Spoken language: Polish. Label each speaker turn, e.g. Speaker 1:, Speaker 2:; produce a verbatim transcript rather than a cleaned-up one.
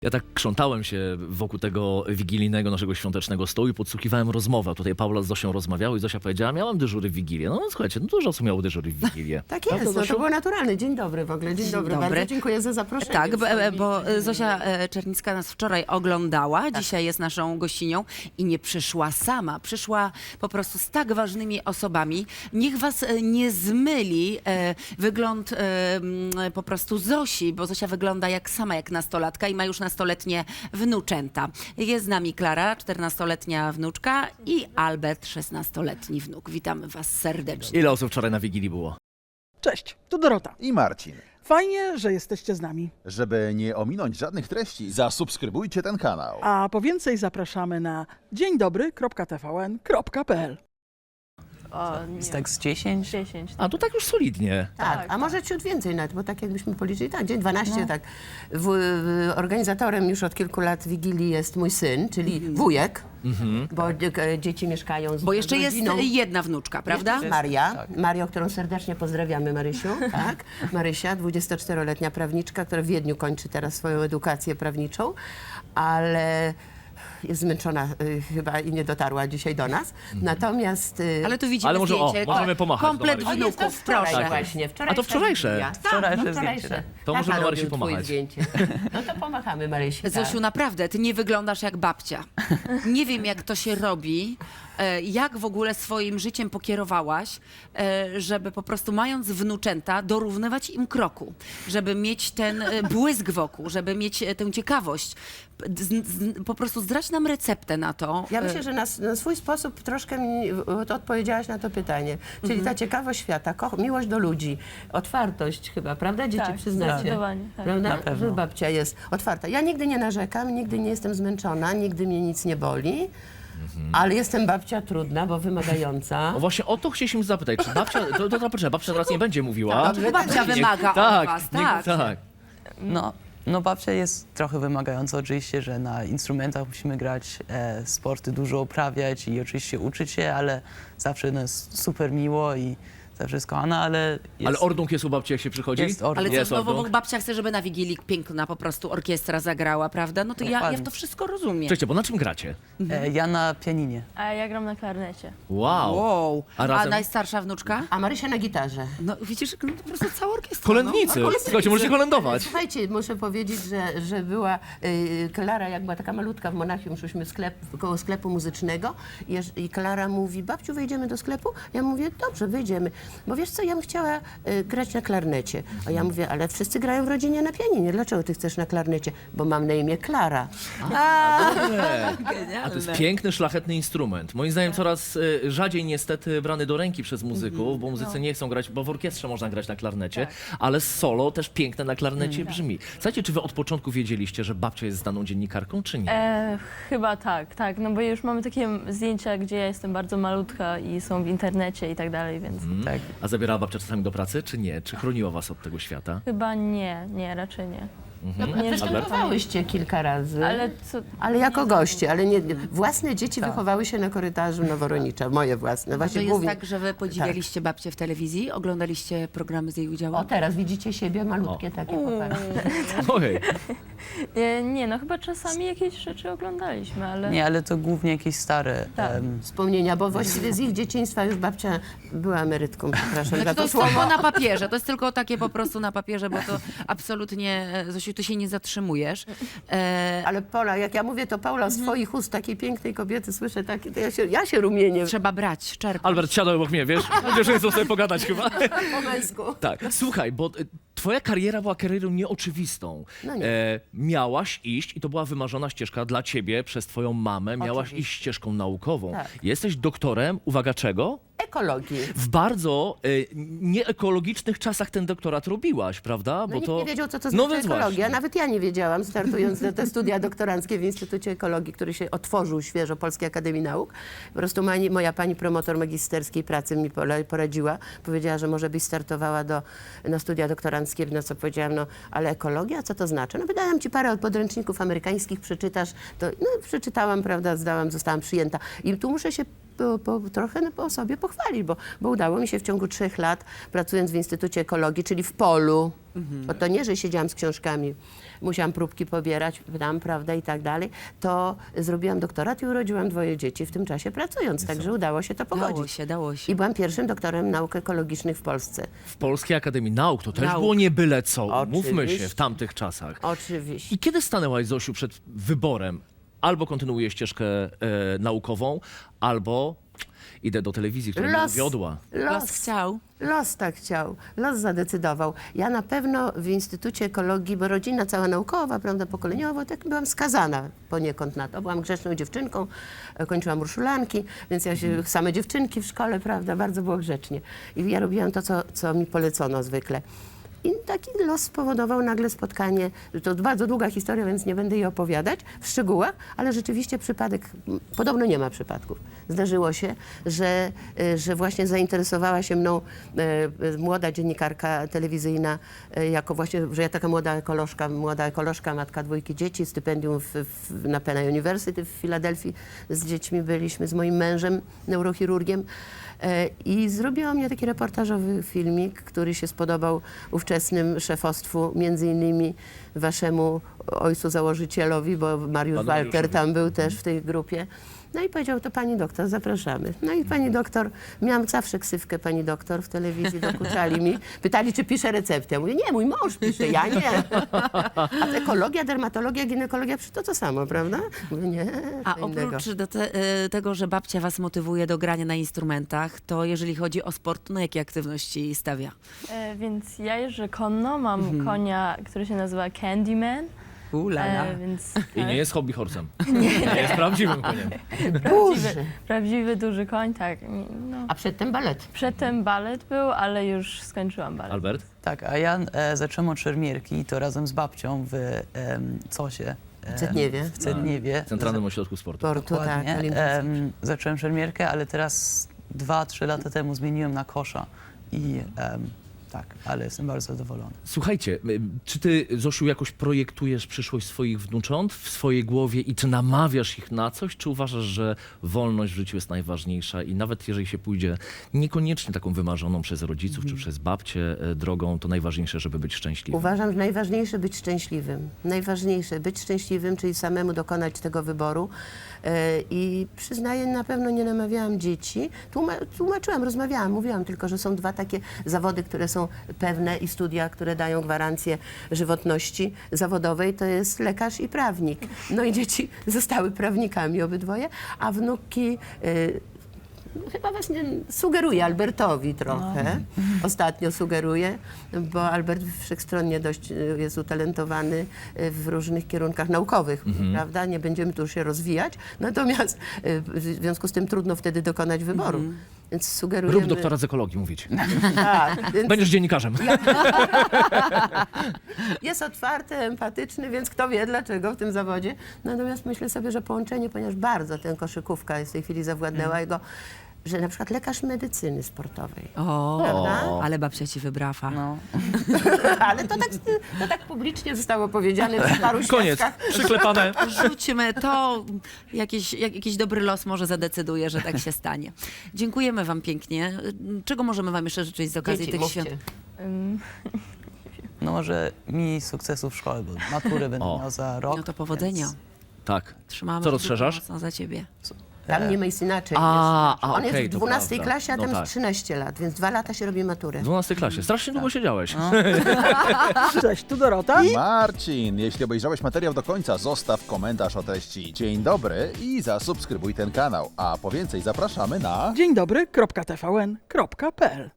Speaker 1: Ja tak krzątałem się wokół tego wigilijnego naszego świątecznego stołu i podsłuchiwałem rozmowę. Tutaj Paula z Zosią rozmawiały i Zosia powiedziała, miałam dyżury w Wigilię. No, no słuchajcie, no dużo osób miało dyżury w Wigilię.
Speaker 2: Tak
Speaker 1: Prawda,
Speaker 2: jest, no
Speaker 1: Zosiu?
Speaker 2: to było naturalne. Dzień dobry w ogóle, dzień,
Speaker 3: Dzień
Speaker 2: dobry.
Speaker 3: dobry.
Speaker 2: Bardzo dziękuję za zaproszenie.
Speaker 3: Tak, bo,
Speaker 2: Wspólnie.
Speaker 3: bo Zosia e, Czernicka nas wczoraj oglądała, dzisiaj jest naszą gościnią i nie przyszła sama, przyszła po prostu z tak ważnymi osobami. Niech was e, nie zmyli e, wygląd e, m, po prostu Zosi, bo Zosia wygląda jak sama, jak nastolatka i ma już nastoletnie wnuczęta. Jest z nami Klara, czternastoletnia wnuczka i Albert, szesnastoletni wnuk. Witamy was serdecznie.
Speaker 1: Ile osób wczoraj na Wigilii było?
Speaker 4: Cześć, tu Dorota.
Speaker 5: I Marcin.
Speaker 4: Fajnie, że jesteście z nami.
Speaker 5: Żeby nie ominąć żadnych treści, zasubskrybujcie ten kanał.
Speaker 4: A po więcej zapraszamy na dzień dobry kropka t v n kropka p l.
Speaker 6: O, nie.
Speaker 7: Jest tak z dziesięć?
Speaker 6: dziesięć.
Speaker 1: A to tak już solidnie.
Speaker 2: Tak,
Speaker 6: Tak,
Speaker 2: a może ciut więcej nawet, bo tak jakbyśmy policzyli, tak, dzień dwanaście, tak. W, w, organizatorem już od kilku lat Wigilii jest mój syn, czyli wujek, bo e, dzieci mieszkają z
Speaker 3: Bo jeszcze jest
Speaker 2: rodziną.
Speaker 3: jedna wnuczka, prawda?
Speaker 2: Jest Maria, Mario, którą serdecznie pozdrawiamy, Marysiu, tak? Marysia, dwudziestoczteroletnia prawniczka, która w Wiedniu kończy teraz swoją edukację prawniczą, ale jest zmęczona y, chyba i nie dotarła dzisiaj do nas. Natomiast... Y,
Speaker 3: Ale tu widzimy
Speaker 1: Ale może, o,
Speaker 3: zdjęcie.
Speaker 1: możemy pomachać
Speaker 3: Komplet
Speaker 1: do Marysi.
Speaker 2: o, jest to
Speaker 3: wnuków,
Speaker 2: wczoraj
Speaker 3: proszę.
Speaker 2: właśnie. Wczoraj
Speaker 1: A to wczorajsze?
Speaker 2: Ja. Tak,
Speaker 7: Wczorajsze
Speaker 2: no,
Speaker 7: zdjęcie,
Speaker 2: wczorajsze.
Speaker 1: To
Speaker 2: Tata
Speaker 1: możemy Marysi
Speaker 2: robił twoje
Speaker 1: pomachać.
Speaker 2: zdjęcie. No to pomachamy Marysi. Tak.
Speaker 3: Zosiu, naprawdę, ty nie wyglądasz jak babcia. Nie wiem, jak to się robi, e, jak w ogóle swoim życiem pokierowałaś, e, żeby po prostu mając wnuczęta, dorównywać im kroku, żeby mieć ten e, błysk wokół, żeby mieć e, tę ciekawość. Z, z, po prostu zdrać nam receptę na to.
Speaker 2: Ja
Speaker 3: E,
Speaker 2: myślę, że na, na swój sposób troszkę mi to odpowiedziałaś na to pytanie. Czyli
Speaker 3: Mhm.
Speaker 2: ta ciekawość świata, koch, miłość do ludzi, otwartość chyba, prawda? Dzieci
Speaker 6: Tak,
Speaker 2: przyznacie.
Speaker 6: zdecydowanie, tak.
Speaker 2: Prawda?
Speaker 7: Na pewno.
Speaker 2: Że babcia jest otwarta. Ja nigdy nie narzekam, nigdy nie jestem zmęczona, nigdy mnie nic nie boli. Ale jestem babcia trudna, bo wymagająca.
Speaker 1: No właśnie o to chcieliśmy zapytać, czy babcia, to, to, to poczekaj, babcia teraz nie będzie mówiła.
Speaker 3: to babcia wymaga od
Speaker 1: tak,
Speaker 3: was,
Speaker 1: niech-
Speaker 3: tak.
Speaker 1: tak.
Speaker 7: No, no babcia jest trochę wymagająca oczywiście, że na instrumentach musimy grać, e, sporty dużo uprawiać i oczywiście uczyć się, ale zawsze no, jest super miło i zawsze jest kochana, ale jest,
Speaker 1: Ale ordung jest u babci, jak się przychodzi?
Speaker 7: Jest ordung.
Speaker 3: Ale co,
Speaker 1: Jest
Speaker 3: no, bo
Speaker 1: ordung.
Speaker 3: babcia chce, żeby na Wigilii piękna po prostu orkiestra zagrała, prawda? No to ja, ja
Speaker 7: Dokładnie.
Speaker 3: to wszystko rozumiem.
Speaker 1: Cześć, bo na czym gracie?
Speaker 7: e, ja na pianinie.
Speaker 6: A ja gram na klarnecie.
Speaker 1: Wow.
Speaker 3: Wow.
Speaker 1: A
Speaker 3: A,
Speaker 1: razem?
Speaker 3: najstarsza wnuczka?
Speaker 2: A Marysia na gitarze.
Speaker 3: No widzisz, no, po prostu cała orkiestra.
Speaker 1: Kolędnicy. Słuchajcie, możecie kolędować.
Speaker 2: Słuchajcie, muszę powiedzieć, że, że była y, Klara, jak była taka malutka w Monachium, szliśmy sklep, koło sklepu muzycznego i, jeż- i Klara mówi, babciu, wejdziemy do sklepu? Ja mówię, dobrze, wyjdziemy. Bo wiesz co, ja bym chciała y, grać na klarnecie. A ja mówię, ale wszyscy grają w rodzinie na pianinie. Dlaczego ty chcesz na klarnecie? Bo mam na imię Klara.
Speaker 1: A to jest piękny, szlachetny instrument. Moim zdaniem coraz y, rzadziej niestety brany do ręki przez muzyków, bo muzycy nie chcą grać, bo w orkiestrze można grać na klarnecie, ale solo też piękne na klarnecie brzmi. Słuchajcie, czy wy od początku wiedzieliście, że babcia jest znaną dziennikarką, czy nie?
Speaker 6: E, chyba tak, tak, no bo już mamy takie zdjęcia, gdzie ja jestem bardzo malutka i są w internecie i tak dalej, więc
Speaker 7: Tak.
Speaker 1: A zabierała babcia czasami do pracy, czy nie? Czy chroniła was od tego świata?
Speaker 6: chyba nie, nie, raczej nie.
Speaker 1: Mhm.
Speaker 6: Nie,
Speaker 2: Występowałyście kilka razy.
Speaker 6: Ale co...
Speaker 2: Ale jako goście, ale nie, własne dzieci wychowały się na korytarzu Noworonicza, moje własne.
Speaker 3: To
Speaker 2: Właśnie
Speaker 3: jest
Speaker 2: głównie.
Speaker 3: tak, że wy podziwialiście babcię w telewizji? Oglądaliście programy z jej udziałem?
Speaker 2: O, teraz widzicie siebie malutkie takie, popatrzcie.
Speaker 1: Ojej.
Speaker 6: E, nie, no chyba czasami jakieś rzeczy oglądaliśmy, ale...
Speaker 7: Nie, ale to głównie jakieś stare.
Speaker 6: Tak.
Speaker 7: em,
Speaker 2: Wspomnienia, bo właściwie z ich dzieciństwa już babcia była emerytką, przepraszam za
Speaker 3: Znaczy, to
Speaker 2: to
Speaker 3: jest
Speaker 2: słowo.
Speaker 3: tylko na papierze, to jest tylko takie po prostu na papierze, bo to absolutnie, e, Zosiu, ty się nie zatrzymujesz. E,
Speaker 2: Ale Pola, jak ja mówię to Paula z twoich ust, takiej pięknej kobiety, słyszę takie, to ja się, ja się rumienię
Speaker 3: trzeba brać, czerpać.
Speaker 1: Albert, siadaj obok mnie, wiesz? Będziesz nie chcą sobie pogadać chyba.
Speaker 2: po męsku.
Speaker 1: Tak, słuchaj, bo y, twoja kariera była karierą nieoczywistą.
Speaker 2: No nie.
Speaker 1: E, miałaś iść, i to była wymarzona ścieżka dla ciebie przez twoją mamę, miałaś
Speaker 2: Oczywiście.
Speaker 1: iść ścieżką naukową.
Speaker 2: Tak.
Speaker 1: Jesteś doktorem, uwaga czego?
Speaker 2: Ekologii.
Speaker 1: W bardzo y, nieekologicznych czasach ten doktorat robiłaś, prawda?
Speaker 2: No nikt nie wiedział, co to
Speaker 1: No
Speaker 2: znaczy
Speaker 1: więc
Speaker 2: ekologia.
Speaker 1: właśnie.
Speaker 2: Nawet ja nie wiedziałam, startując na te studia doktoranckie w Instytucie Ekologii, który się otworzył świeżo Polskiej Akademii Nauk. Po prostu mani, moja pani promotor magisterskiej pracy mi pole- poradziła. Powiedziała, że może byś startowała do, na studia doktoranckie, na co powiedziałam, no ale ekologia, co to znaczy? No wydałam ci parę podręczników amerykańskich, przeczytasz. To, no przeczytałam, prawda, zdałam, zostałam przyjęta. I tu muszę się po, po, trochę no, po sobie pochwalić, bo, bo udało mi się w ciągu trzech lat, pracując w Instytucie Ekologii, czyli w polu, bo to nie, że siedziałam z książkami, musiałam próbki pobierać, tam, prawda, i tak dalej, to zrobiłam doktorat i urodziłam dwoje dzieci w tym czasie pracując, także udało się to pogodzić.
Speaker 3: Dało się, dało się.
Speaker 2: I byłam pierwszym doktorem nauk ekologicznych w Polsce.
Speaker 1: W Polskiej Akademii Nauk to też
Speaker 3: Nauk.
Speaker 1: było nie byle co, mówmy się,
Speaker 2: Oczywiście.
Speaker 1: w tamtych czasach.
Speaker 2: Oczywiście.
Speaker 1: I kiedy stanęłaś, Zosiu, przed wyborem? Albo kontynuuję ścieżkę e, naukową, albo idę do telewizji, która mnie
Speaker 2: Los.
Speaker 1: wiodła.
Speaker 3: Los chciał.
Speaker 2: Los tak chciał, los zadecydował. Ja na pewno w Instytucie Ekologii, bo rodzina cała naukowa, prawda, pokoleniowo, tak byłam skazana poniekąd na to. Byłam grzeczną dziewczynką, e, kończyłam urszulanki, więc ja się, same dziewczynki w szkole, prawda, bardzo było grzecznie. I ja robiłam to, co, co mi polecono zwykle. I taki los spowodował nagle spotkanie, to bardzo długa historia, więc nie będę jej opowiadać w szczegółach, ale rzeczywiście przypadek, m, podobno nie ma przypadków. Zdarzyło się, że, e, że właśnie zainteresowała się mną e, e, młoda dziennikarka telewizyjna, e, jako właśnie, że ja taka młoda ekolożka, młoda ekolożka, matka dwójki dzieci, stypendium w, w, na Penn University w Filadelfii z dziećmi byliśmy, z moim mężem, neurochirurgiem. E, I zrobiła mnie taki reportażowy filmik, który się spodobał ówczesnym szefostwu, między innymi waszemu ojcu założycielowi, bo Mariusz
Speaker 1: Panu
Speaker 2: Walter
Speaker 1: Mariuszowi.
Speaker 2: tam był też w tej grupie. No i powiedział, to pani doktor, zapraszamy. No i pani doktor, miałam zawsze ksywkę pani doktor w telewizji, dokuczali mi. Pytali, czy piszę receptę. Ja mówię, nie, mój mąż pisze, ja nie. A ekologia, dermatologia, ginekologia, przecież to to samo, prawda? Mówię, nie,
Speaker 3: A
Speaker 2: co innego.
Speaker 3: oprócz do te, e, tego, że babcia was motywuje do grania na instrumentach, to jeżeli chodzi o sport, to na jakie aktywności stawia?
Speaker 6: E, więc ja jeżdżę konno, mam konia, który się nazywa Candyman,
Speaker 3: Ulala.
Speaker 6: e, więc
Speaker 1: I nie jest hobby horsem. Nie jest prawdziwym koniem.
Speaker 6: prawdziwy, prawdziwy duży koń, tak. No.
Speaker 2: A przedtem balet.
Speaker 6: Przedtem balet był, ale już skończyłam balet.
Speaker 1: Albert?
Speaker 7: Tak, a ja e, zacząłem od szermierki, to razem z babcią w em, Cosie. em,
Speaker 2: W Cetniewie.
Speaker 7: W Cetniewie.
Speaker 1: W Centralnym Ośrodku Sportu.
Speaker 2: Portu, tak.
Speaker 7: Dokładnie.
Speaker 2: Olimpijski.
Speaker 7: Em, zacząłem szermierkę, ale teraz dwa, trzy lata temu zmieniłem na kosza i em, tak, ale jestem bardzo zadowolony.
Speaker 1: Słuchajcie, y, czy ty, Zosiu, jakoś projektujesz przyszłość swoich wnucząt w swojej głowie i czy namawiasz ich na coś, czy uważasz, że wolność w życiu jest najważniejsza i nawet jeżeli się pójdzie niekoniecznie taką wymarzoną przez rodziców czy przez babcię y, drogą, to najważniejsze, żeby być szczęśliwym?
Speaker 2: Uważam, że najważniejsze być szczęśliwym. Najważniejsze być szczęśliwym, czyli samemu dokonać tego wyboru. E, I przyznaję, na pewno nie namawiałam dzieci. Tłuma tłumaczyłam, rozmawiałam, mówiłam tylko, że są dwa takie zawody, które są pewne i studia, które dają gwarancję żywotności zawodowej, to jest lekarz i prawnik. No i dzieci zostały prawnikami obydwoje, a wnuki... e, Chyba właśnie sugeruję Albertowi trochę. Ostatnio sugeruję, bo Albert wszechstronnie dość y, jest utalentowany y, w różnych kierunkach naukowych, prawda? Nie będziemy tu się rozwijać. Natomiast y, w związku z tym trudno wtedy dokonać wyboru. Więc sugerujemy...
Speaker 1: Rób doktora z ekologii, mówić.
Speaker 2: Tak, więc
Speaker 1: Będziesz dziennikarzem.
Speaker 2: jest otwarty, empatyczny, więc kto wie dlaczego w tym zawodzie. Natomiast myślę sobie, że połączenie, ponieważ bardzo tę koszykówka jest w tej chwili zawładnęła jego, że na przykład lekarz medycyny sportowej.
Speaker 3: O,
Speaker 2: Prawda?
Speaker 3: ale babcia ci wybrafa.
Speaker 7: No.
Speaker 2: Ale to tak, to tak publicznie zostało powiedziane przy paru
Speaker 1: Koniec.
Speaker 2: świadkach.
Speaker 1: Przyklepane.
Speaker 3: Rzućmy to, jakiś, jak, jakiś dobry los może zadecyduje, że tak się stanie. Dziękujemy wam pięknie. Czego możemy wam jeszcze życzyć z okazji
Speaker 2: Dzieci,
Speaker 3: tych
Speaker 2: mówcie.
Speaker 3: świąt?
Speaker 6: Ym,
Speaker 7: No może mi sukcesu w szkole, bo maturę będę
Speaker 1: O.
Speaker 7: miał za rok.
Speaker 3: No to powodzenia.
Speaker 7: więc-
Speaker 1: Tak.
Speaker 3: Trzymamy
Speaker 1: Co
Speaker 3: kciuki
Speaker 1: rozszerzasz?
Speaker 3: mocno za ciebie.
Speaker 2: Tam nie ma jest inaczej.
Speaker 1: A,
Speaker 2: jest.
Speaker 1: a,
Speaker 2: On jest
Speaker 1: okej,
Speaker 2: w
Speaker 1: to
Speaker 2: dwunastej
Speaker 1: prawda.
Speaker 2: klasie, a
Speaker 1: No
Speaker 2: tam
Speaker 1: tak.
Speaker 2: jest trzynaście lat, więc dwa lata się robi maturę.
Speaker 1: W dwunastej klasie. Strasznie długo siedziałeś.
Speaker 4: Cześć, tu Dorota.
Speaker 5: Marcin, jeśli obejrzałeś materiał do końca, zostaw komentarz o treści. Dzień dobry i zasubskrybuj ten kanał. A po więcej zapraszamy na...
Speaker 4: Dzień dobry, kropka T V N, kropka P L.